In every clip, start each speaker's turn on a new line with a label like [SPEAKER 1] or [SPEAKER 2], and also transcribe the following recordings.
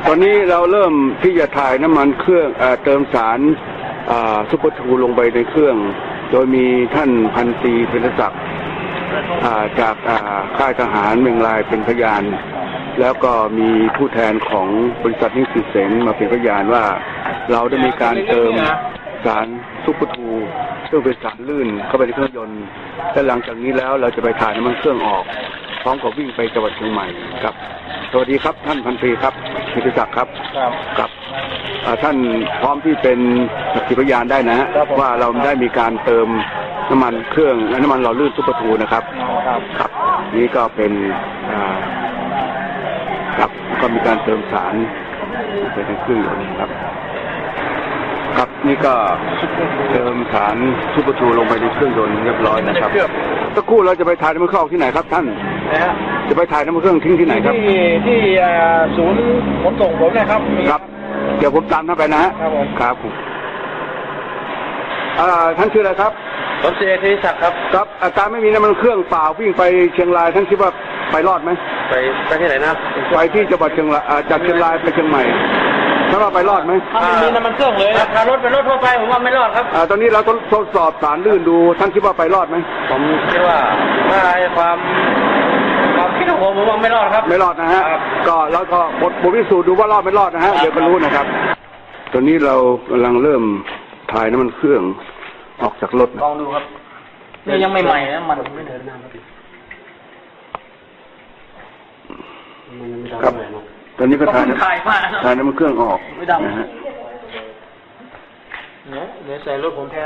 [SPEAKER 1] ตอนนี้เราเริ่มที่จะถ่ายน้ำมันเครื่องเติมสารซุปเปอร์ทูลงไปในเครื่องโดยมีท่านพันตรีเป็นศักดิ์จากค่ายทหารเมืองลายเป็นพยานแล้วก็มีผู้แทนของบริษัทนิสิตเสนมาเป็นพยานว่าเราได้มีการเติมสารซุปเปอร์ทูซึ่งเป็นสารลื่นเข้าไปในเครื่องยนต์และหลังจากนี้แล้วเราจะไปถ่ายน้ำมันเครื่องออกพร้อมกับวิ่งไปจังหวัดเชียงใหม่ครับสวัสดีครับท่านพันตรีครับนิติศักดิ์ครับครับท่านพร้อมที่เป็นสักขีพยานได้นะว่าเราได้มีการเติมน้ำมันเครื่องน้ำมันหล่อลื่นซุปเปอร์ทูนะครับครับนี่ก็เป็นครับก็มีการเติมสารไปในเครื่องยนต์ครับครับนี่ก็เติมสารซุปเปอร์ทูลงไปในเครื่องยนต์เรียบร้อยนะครับสักครู่เราจะไปถ่ายน้ำมันเครื่องออกที่ไหนครับท่านจะไปถ่ายน้ำมันเครื่องทิ้งที่ไหนครับ
[SPEAKER 2] ที่ศูนย์ขนส่งผมนะครับ
[SPEAKER 1] ครับเดี๋ยวผมตามท่านไปนะฮะครับท่านชื่ออะไรครับ
[SPEAKER 2] ผมชื่อธีรศักดิ์ครับ
[SPEAKER 1] ครับอาการไม่มีน้ำมันเครื่องเปล่าวิ่งไปเชียงรายท่านคิดว่าไปรอดไหม
[SPEAKER 2] ไปที่ไหนนะ
[SPEAKER 1] ไปที่จังหวัดเชียงรายจากเชียงรายไปเชียงใหม่ถ้าว่าไปรอดไหม
[SPEAKER 2] ไม่มีน้ำมันเครื่องเลยถ้ารถเป็นรถทั่วไปผมว่าไม่รอดครับ
[SPEAKER 1] ตอนนี้เราทดสอบสารลื่นดูท่านคิดว่าไปรอดไหม
[SPEAKER 2] ผมคิดว่าถ้าความคิดของผมว่าไม่รอดครับ
[SPEAKER 1] ไม่รอดนะฮะก็เราก็บทพิสูจน์ดูว่ารอดไม่รอดนะฮะเดี๋ยวก็รู้นะครับตอนนี้เรากำลังเริ่มถ่ายน้ำมันเครื่องออกจากรถ
[SPEAKER 2] ลองดูครับนี่ยังไม่ใหม่นะมันไม่เดินหน้า
[SPEAKER 1] ครับตอนนี้ก็ถ่ายน้ำมันเครื่องออกนะฮะ
[SPEAKER 2] เดี๋ยวใส่รถผมแทน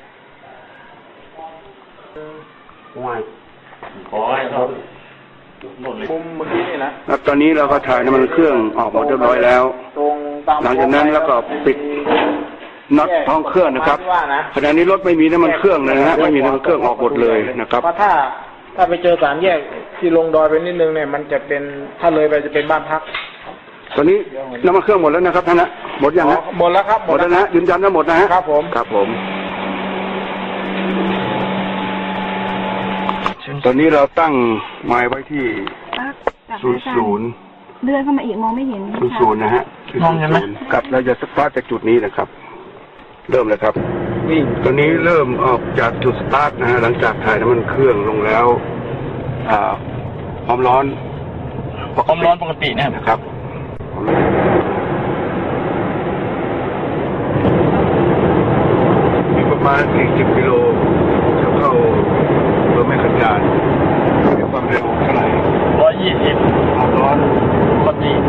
[SPEAKER 2] ขอให้เขามุมเมื่อกี้นี่นะครับ
[SPEAKER 1] ตอนนี้เราก็ถ่ายน้ำมันเครื่องออกหมดเรียบร้อยแล้วหลังจากนั้นแล้วก็ปิดน็อตท้องเครื่องนะครับขณะนี้รถไม่มีน้ำมันเครื่องเลยนะฮะไม่มีน้ำมันเครื่องออกหมดเลยนะครับ
[SPEAKER 2] เพราะถ้าไปเจอสามแยกที่ลงดอยไปนิดนึงเนี่ยมันจะเป็นถ้าเลยไปจะเป็นบ้านพัก
[SPEAKER 1] ตอนนี้น้ำมันเครื่องหมดแล้วนะครับท่านนะหมดยังฮะ
[SPEAKER 2] หมดแล้วครับ
[SPEAKER 1] หมดแล้วนะยืนยันว่าหมดนะฮะ
[SPEAKER 2] ครับผม
[SPEAKER 1] ครับผมตอนนี้เราตั้งไม้ไว้ที่00
[SPEAKER 3] เลื่อนเข้ามาอีกมองไม่เห็น
[SPEAKER 1] 00นะฮะ
[SPEAKER 2] มองเห็นไหม
[SPEAKER 1] กับเราจะสตาร์ทจากจุดนี้นะครับเริ่มเลยครับตอนนี้เริ่มออกจากจุดสตาร์ทนะฮะหลังจากถ่ายน้ำมันเครื่องลงแล้วความร้อน
[SPEAKER 2] ปกติ
[SPEAKER 1] นะครับมีประมาณ40กิโลจะเข้าเพื่อไม่ขยายมีความเร็วเท่าไหร่
[SPEAKER 2] 120
[SPEAKER 1] ความร้อน
[SPEAKER 2] ปกติ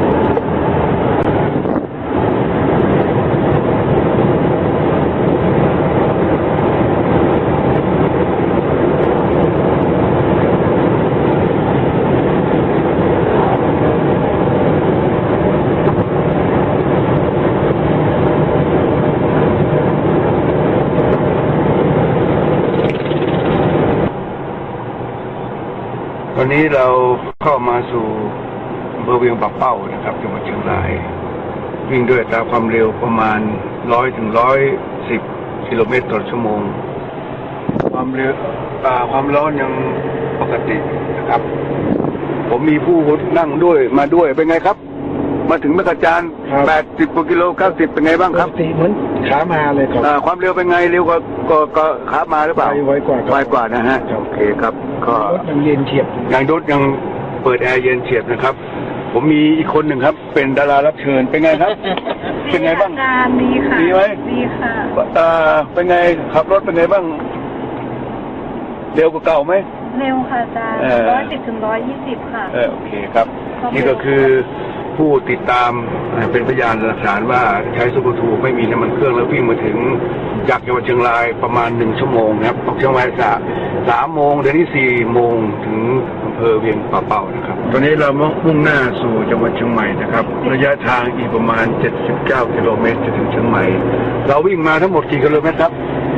[SPEAKER 1] ตอนนี้เราเข้ามาสู่อำเภอเวียงปากเป้านะครับจังหวัดเชียงรายวิ่งด้วยอัตราความเร็วประมาณ100 ถึง 110 กิโลเมตรต่อชั่วโมงความเร็วความร้อนยังปกตินะครับผมมีผู้นั่งด้วยมาด้วยเป็นไงครับมาถึงแม่กระจาน80 กว่ากิโล90เป็นไงบ้างครับ
[SPEAKER 2] เหมือนขามาเลยครับ
[SPEAKER 1] ความเร็วเป็นไงเร็วกว่าขามาหรือเปล่า
[SPEAKER 2] ไวกว่า
[SPEAKER 1] นะฮะโอเคครับก็
[SPEAKER 2] ยังเย็นเฉียบ
[SPEAKER 1] ยังรถยังเปิดแอร์เย็นเฉียบนะครับผมมีอีกคนหนึ่งครับเป็นดารารับเชิญเป็นไงครับเป็นไงบ้าง
[SPEAKER 3] ดีค่ะ
[SPEAKER 1] ดีไหม
[SPEAKER 3] ดีค่ะ
[SPEAKER 1] เป็นไงขับรถเป็นไงบ้างเร็วกว่าเก่าไหม
[SPEAKER 3] เร็วค่ะอาจารย์110 ถึง 120ค่ะ
[SPEAKER 1] โอเคครับนี่ก็คือผู้ติดตามเป็นพยานหลักฐานว่าใช้ซุปเปอร์ทูไม่มีน้ำมันเครื่องแล้ววิ่งมาถึงจากจังหวัดเชียงรายประมาณ1 ชั่วโมงครับออกเชียงราย3 โมงเดี๋ยวนี้4 โมงถึงอำเภอเวียงป่าเป้านะครับตอนนี้เรามุ่งหน้าสู่จังหวัดเชียงใหม่นะครับระยะทางอีกประมาณ79 กิโลเมตรจะถึงเชียงใหม่เราวิ่งมาทั้งหมดกี่กิโลเมตรครับ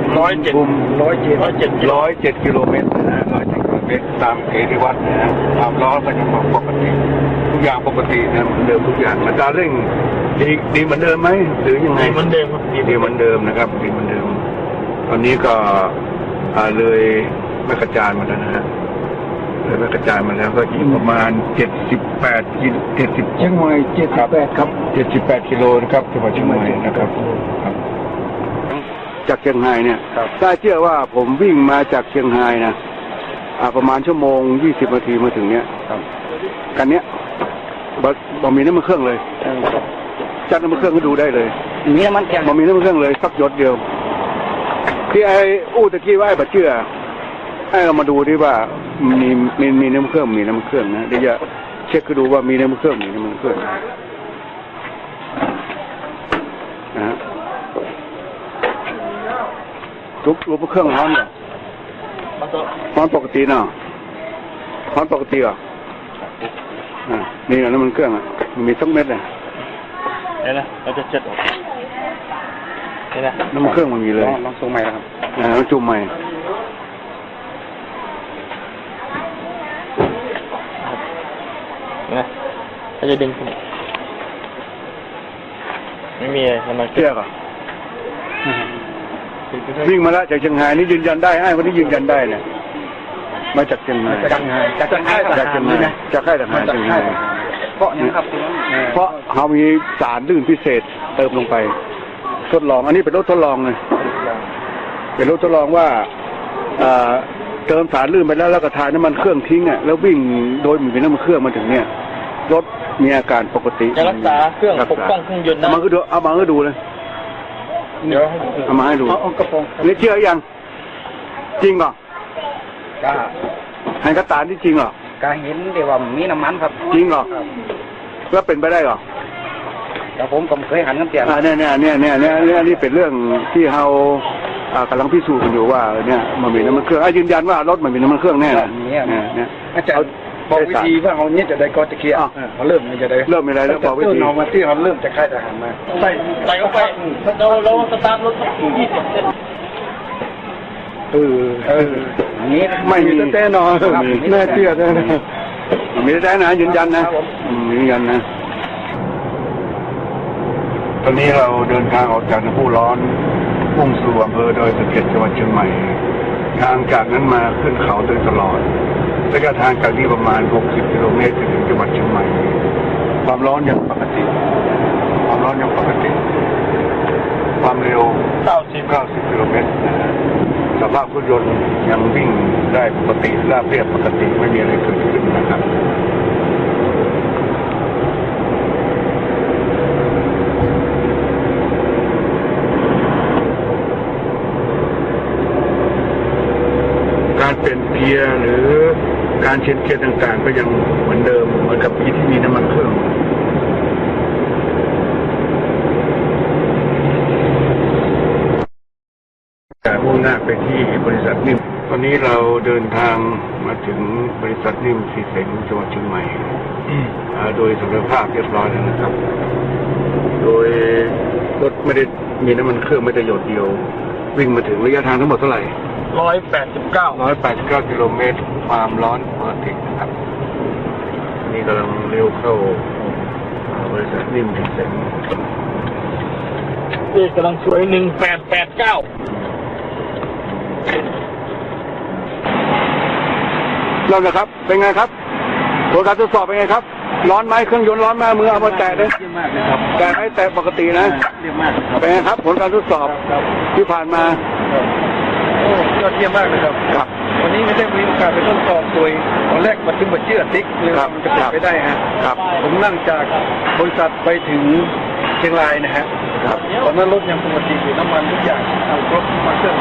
[SPEAKER 1] 107 กิโลเมตรนะฮะ107 กิโลเมตรตามเกณฑ์ที่วัดนะฮะความร้อนก็ยังปกติทุกอย่างปกตินะเหมือนเดิมทุกอย่างอัตราเร่งดีเหมือนเดิมไหมหรือยังไง
[SPEAKER 2] เหมือนเดิม
[SPEAKER 1] ดีเหมือนเดิมนะครับดีเหมือนเดิมตอนนี้ก็เลยแม่กระจานมาแล้วนะฮะไปกระจายมาแล้วก็อีกประมาณ78 70
[SPEAKER 2] เชียงใหม่78ครับ
[SPEAKER 1] 78 กิโลนะครับจังหวัดเชียงใหม่นะครับครับจากเชียงรายเนี่ยถ้าเชื่อว่าผมวิ่งมาจากเชียงรายนะประมาณชั่วโมง20 นาทีมาถึงเนี้ยกันเนี้ยบ่มีน้ำมันเครื่องเลยจัดน้ำมันเครื่องก็ดูได้เลยมีน้ำมันเครื่องบ่มีน้ำมันเครื่องเลยสักหยดเดียวที่ไอ้อู้ตะกี้ว่าไอ้บัดเชื่อให้เรามาดูที่ว่ามีน้ำเครื่องมีน้ำเครื่องนะเดี๋ยวจะเช็คดูว่ามีน้ำเครื่องมีน้ำเครื่องนะฮะรูปเครื่องร้อนเหรอร้อนปกติเนาะร้อนปกติเหรอนี่นะน้ำมันเครื่องอ่ะมีสักเม็ดเลยนี่นะเราจะเช็ดนี่นะน้ำมันเครื่องมันมีเลยลองส่งใหม่แล้วครับลองจุ่มใหม่นะเขาจะดึงไม่มีอะไรมันเชื่อก่อนวิ่งมาแล้วจากเชียงรายนี่ยืนยันได้ไอ้คนนี้ยืนยันได้เนี่ยมาจากเชียงรายจากค่ายทหารจากค่ายทหารเชียงรายเพราะนะครับเพราะเขามีสารลื่นพิเศษเติมลงไปทดลองอันนี้เป็นรถทดลองเลยเป็นรถทดลองว่าเติมสารลื่นไปแล้วก็ทายน้ำมันเครื่องทิ้งอ่ะแล้ววิ่งโดยมีน้ำมันเครื่องมาถึงเนี่ยรถมีอาการปกติจะรักษาเครื่องปกป้องเครื่องยนต์นะเอามาให้ดูเลยเดี๋ยวเอามาให้ดูเอากระโปรงนี่เชื่อยังจริงเหรอให้กระตานที่จริงเหรอการเห็นเดี๋ยวว่ามีน้ำมันครับจริงเหรอแล้วเป็นไปได้เหรอแต่ผมก็เคยหันน้ำเตียนนี่เป็นเรื่องที่เรากำลังพิสูจน์กันอยู่ว่าเนี่ยมันมีน้ำมันเครื่องยืนยันว่ารถมันมีน้ำมันเครื่องแน่เนี่ยอาจารย์บอกวิธีว่าเอาเนี่ยจะได้ก็จะเคลียร์เขาเริ่มจะได้เริ่มไม่ได้แล้วบอกวิธีเอามาที่เขาเริ่มจะค่ายทหารมาใส่เข้าไปเราสตาร์ทรถ20 เซนนี่ไม่มีแน่นอนแน่เชื่อแน่มีแน่นะยืนยันนะยืนยันนะตอนนี้เราเดินทางออกจากน้ำพุร้อนมุ่งสู่อำเภอดอยสะเก็ดจังหวัดเชียงใหม่ทางจากนั้นมาขึ้นเขาโดยตลอดระยะทางจากนี้ประมาณ60 กิโลเมตรถึงจังหวัดเชียงใหม่ความร้อนยังปกติความเร็ว90 กิโลเมตรสภาพรถยนต์ยังวิ่งได้ปกติราบเรียบปกติไม่มีอะไรเกิดขึ้นนะครับการเปลี่ยนเกียร์หรือการเช็ดเกียร์ต่างๆก็ยังเหมือนเดิมเหมือนกับปีที่มีน้ำมันเครื่องแต่มุ่งหน้าไปที่บริษัทนิ่มตอนนี้เราเดินทางมาถึงบริษัทนิ่มสีเสงจังหวัดเชียงใหม่โดยสมรรถภาพเรียบร้อยแล้วนะครับโดยรถไม่ได้มีน้ำมันเครื่องไม่ได้หยดเดียววิ่งมาถึงระยะทางทั้งหมดเท่าไหร่189 กิโลเมตรความร้อนปกตินะครับนี่กำลังเลี้ยวเข้าบริษัทนิ่มสีเสงกำลังสวย1889เริ่มเลยครับเป็นไงครับผลการทดสอบเป็นไงครับร้อนไหมเครื่องยนต์ร้อนไหมมือเอามาแตะเลยแตะไม่แตะปกตินะเป็นไงครับผลการทดสอบที่ผ่านมา
[SPEAKER 2] ยอดเยี่ยมมากเลยครับวันนี้ไม่ได้มีโอกาสไปทดสอบโดยตอนแรกมันถึงมาเชื่อติ๊กเลยมันจะเป็นไปได้ฮะผมนั่งจากบริษัทไปถึงเชียงรายนะฮะตอนนั้นรถยังปกติอยู่น้ำมันทุกอย่างรถมาเครื่อง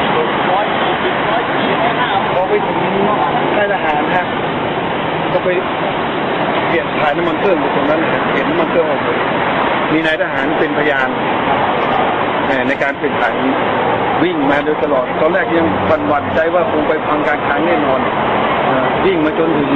[SPEAKER 2] พอไปถึงค่ายทหารฮะก็ไปเปลี่ยนถ่ายน้ำมันเครื่องอยู่ตรงนั้นเห็นน้ำมันเครื่องออกมีนายทหารเป็นพยานในการเปลี่ยนถ่ายวิ่งมาโดยตลอดตอนแรกยังหวั่นใจว่าคงไปพังการค้างแน่นอนวิ่งมาจนถึง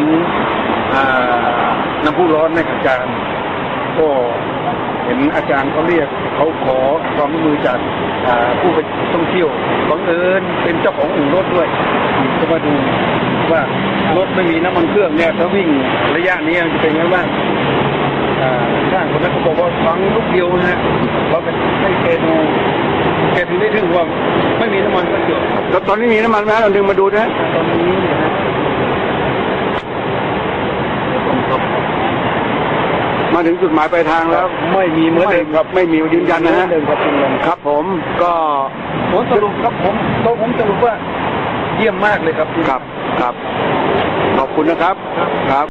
[SPEAKER 2] น้ำพุร้อนในอาจารย์ก็เห็นอาจารย์เขาเรียกเขาขอความร่วมมือจากผู้ไปท่องเที่ยวบังเอิญเป็นเจ้าของอู่รถด้วยจะมาดูว่ารถไม่มีน้ำมันเครื่องเนี่ยถ้าวิ่งระยะนี้จะเป็นไงบ้างช่างคนนั้นเขาบอกว่าฟังลูกเดียวนะฮะเราไปให้แกดูแกถึงได้ถึงว่าไม่มีน้ำมันก็เกี่ยวแล้วตอนนี้มีน้ำมันไหมเราดึงมาดูนะตอนนี้นะ
[SPEAKER 1] ถึงจุดหมายปลายทางแล้ว
[SPEAKER 2] ไม่มีเหมือนเดิมครับ
[SPEAKER 1] ไม่มียืนยันนะฮะ
[SPEAKER 2] เหมือเดิมครับคุณลุง
[SPEAKER 1] ครับผมก็
[SPEAKER 2] ผลสรุปครับผมสรุปว่าเยี่ยมมากเลยครับ
[SPEAKER 1] ครับขอบคุณนะครับครับ